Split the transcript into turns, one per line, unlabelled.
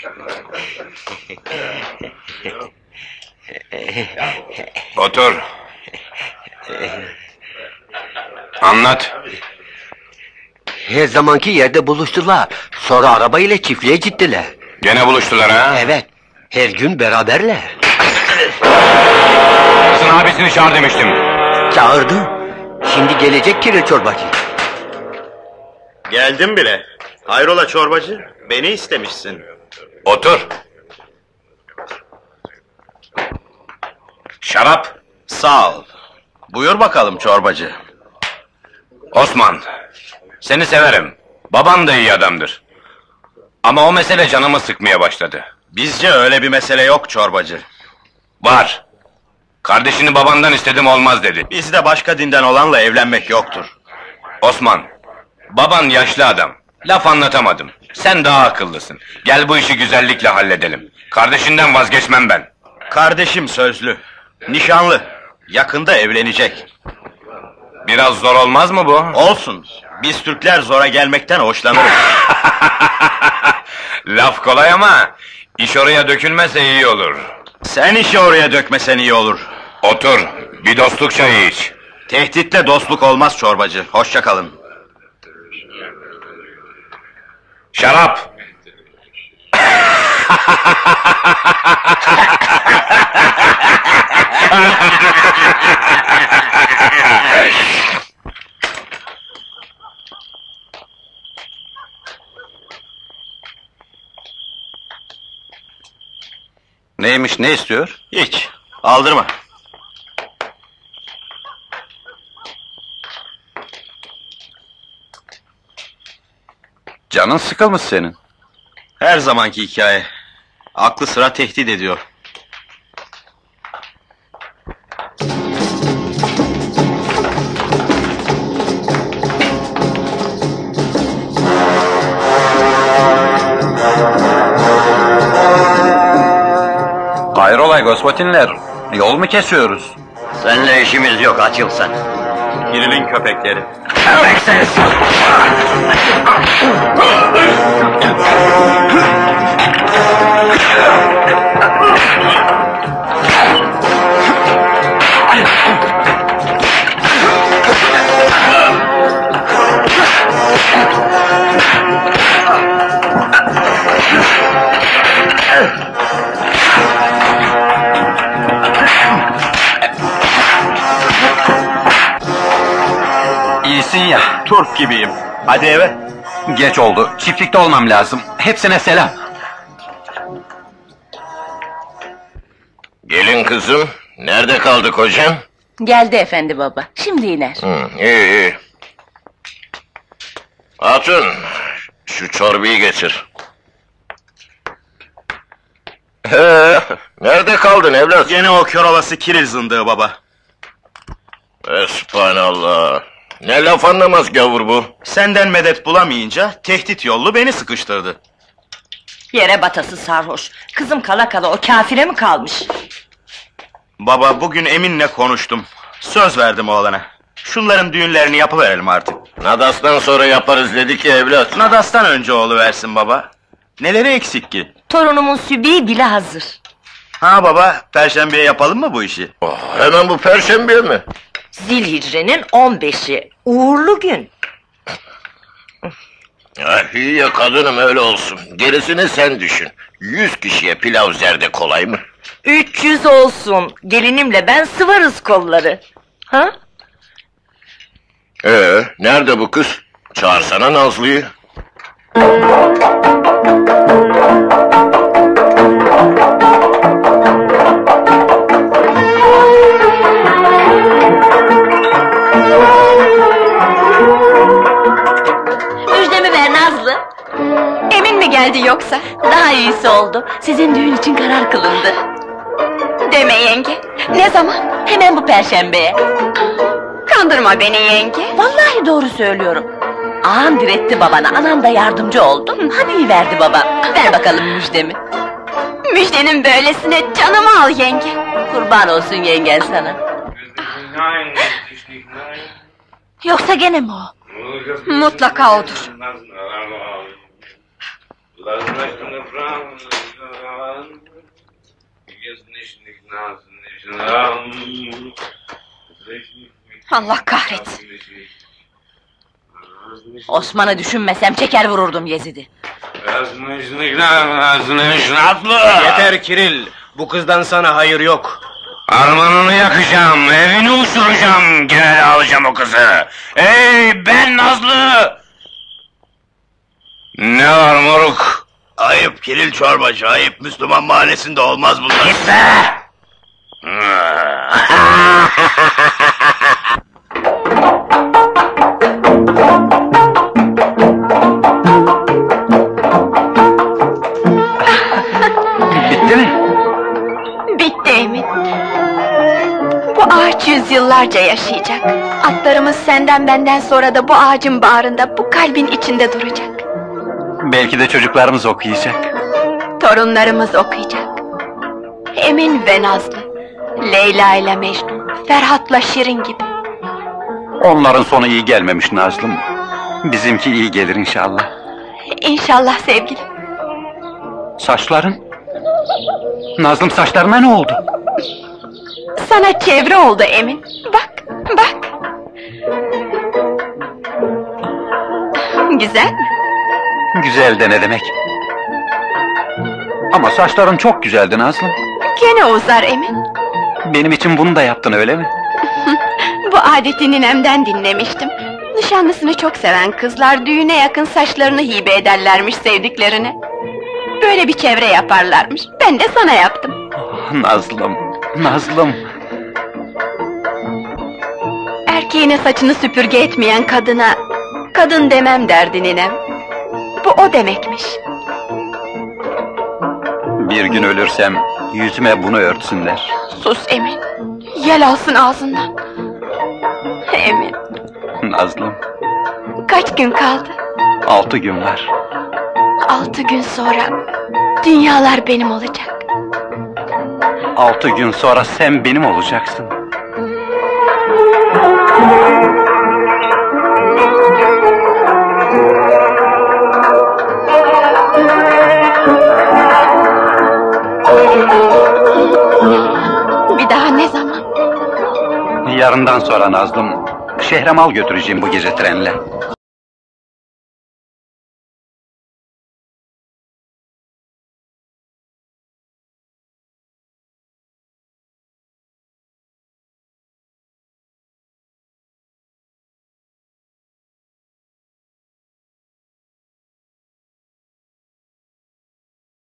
Otur. Anlat.
Her zamanki yerde buluştular. Sonra araba ile çiftliğe gittiler.
Gene buluştular ha?
Evet. Her gün beraberler.
Kızın abisini çağır demiştim.
Çağırdım. Şimdi gelecek kire çorbacı.
Geldim bile. Hayrola çorbacı? Beni istemişsin.
Otur. Şarap.
Sağ ol. Buyur bakalım çorbacı.
Osman. Seni severim. Baban da iyi adamdır. Ama o mesele canımı sıkmaya başladı.
Bizce öyle bir mesele yok çorbacı.
Var. Kardeşini babandan istedim, olmaz dedi.
Bizde başka dinden olanla evlenmek yoktur.
Osman. Baban yaşlı adam. Laf anlatamadım. Sen daha akıllısın. Gel bu işi güzellikle halledelim. Kardeşinden vazgeçmem ben.
Kardeşim sözlü. Nişanlı. Yakında evlenecek.
Biraz zor olmaz mı bu?
Olsun. Biz Türkler zora gelmekten hoşlanırız.
Laf kolay ama iş oraya dökülmese iyi olur.
Sen işi oraya dökmesen iyi olur.
Otur, bir dostluk çayı iç.
Tehditle dostluk olmaz çorbacı. Hoşça kalın.
Şarap!
Neymiş, ne istiyor? Hiç. Aldırma.
Canın sıkılmış senin.
Her zamanki hikaye. Aklı sıra tehdit ediyor.
Hayrola Gospatinler, yol mu kesiyoruz?
Seninle işimiz yok, açıl sen.
Kiril'in köpekleri.
Köpeksiz!
İyisin ya.
Turp gibiyim. Hadi eve.
Geç oldu, çiftlikte olmam lazım. Hepsine selam.
Gelin kızım, nerede kaldı kocan?
Geldi efendi baba, şimdi iner.
İyi iyi. Hatun, şu çorbayı getir. Nerede kaldın evlat?
Gene o kör olası Kiril zındığı baba.
Espanallah. Ne laf anlamaz gavur bu.
Senden medet bulamayınca tehdit yollu beni sıkıştırdı.
Yere batası sarhoş. Kızım kala kala o kafire mi kalmış?
Baba bugün Emin'le konuştum. Söz verdim oğlana. Şunların düğünlerini yapıverelim artık.
Nadas'tan sonra yaparız dedi ki evlat.
Nadas'tan önce oğluversin baba. Neleri eksik ki?
Torunumun sübiği bile hazır.
Ha baba, Perşembe'ye yapalım mı bu işi?
Hemen bu perşembe mi?
Zilhicre'nin 15'i. Uğurlu gün.
İyi ya kadınım, öyle olsun. Gerisini sen düşün. 100 kişiye pilav zerde kolay mı?
300 olsun. Gelinimle ben sıvarız kolları. Ha?
Nerede bu kız? Çağırsana Nazlı'yı.
Müjdemi ver Nazlı. Emin mi geldi yoksa? Daha iyisi oldu. Sizin düğün için karar kılındı. Deme yenge. Ne zaman? Hemen bu perşembeye. Kandırma beni yenge. Vallahi doğru söylüyorum. Ağam diretti babana, anam da yardımcı oldu. Hadi verdi baba. Ver bakalım müjdemi. Müjdenin böylesine canımı al yenge. Kurban olsun yengen sana. Yoksa gene mi o? Mutlaka odur. Allah kahretsin! Osman'ı düşünmesem çeker vururdum Yezid'i.
Yeter Kiril, bu kızdan sana hayır yok.
Armanını yakacağım, evini uçuracağım, gene de alacağım o kızı. Ey ben Nazlı! Ne var moruk?
Ayıp Kiril çorbacı, ayıp. Müslüman mahallesinde olmaz bunlar.
Git be!
Bitti mi?
Bitti Emin. Bu ağaç yüzyıllarca yaşayacak. Atlarımız senden benden sonra da bu ağacın bağrında, bu kalbin içinde duracak.
Belki de çocuklarımız okuyacak.
Torunlarımız okuyacak. Emin ve Nazlı, Leyla ile Mecnun, Ferhat'la Şirin gibi.
Onların sonu iyi gelmemiş Nazlım. Bizimki iyi gelir inşallah.
İnşallah sevgilim.
Saçların? Nazlım saçlarına ne oldu?
Sana çevre oldu Emin. Bak, bak. Güzel mi?
Güzel de ne demek? Ama saçların çok güzeldi Nazlım.
Gene uzar Emin.
Benim için bunu da yaptın öyle mi?
Bu adeti ninemden dinlemiştim. Nişanlısını çok seven kızlar düğüne yakın saçlarını hibe ederlermiş sevdiklerine. Böyle bir çevre yaparlarmış. Ben de sana yaptım.
Nazlım, Nazlım.
Erkeğine saçını süpürge etmeyen kadına kadın demem derdi ninem. Bu o demekmiş.
Bir gün ölürsem yüzüme bunu örtsünler.
Sus Emin. Yel alsın ağzından. Emin.
Nazlım,
Kaç gün kaldı?
6 gün var.
6 gün sonra dünyalar benim olacak.
6 gün sonra sen benim olacaksın.
Bir daha ne zaman?
Yarından sonra Nazlım, şehre mal götüreceğim bu gece trenle.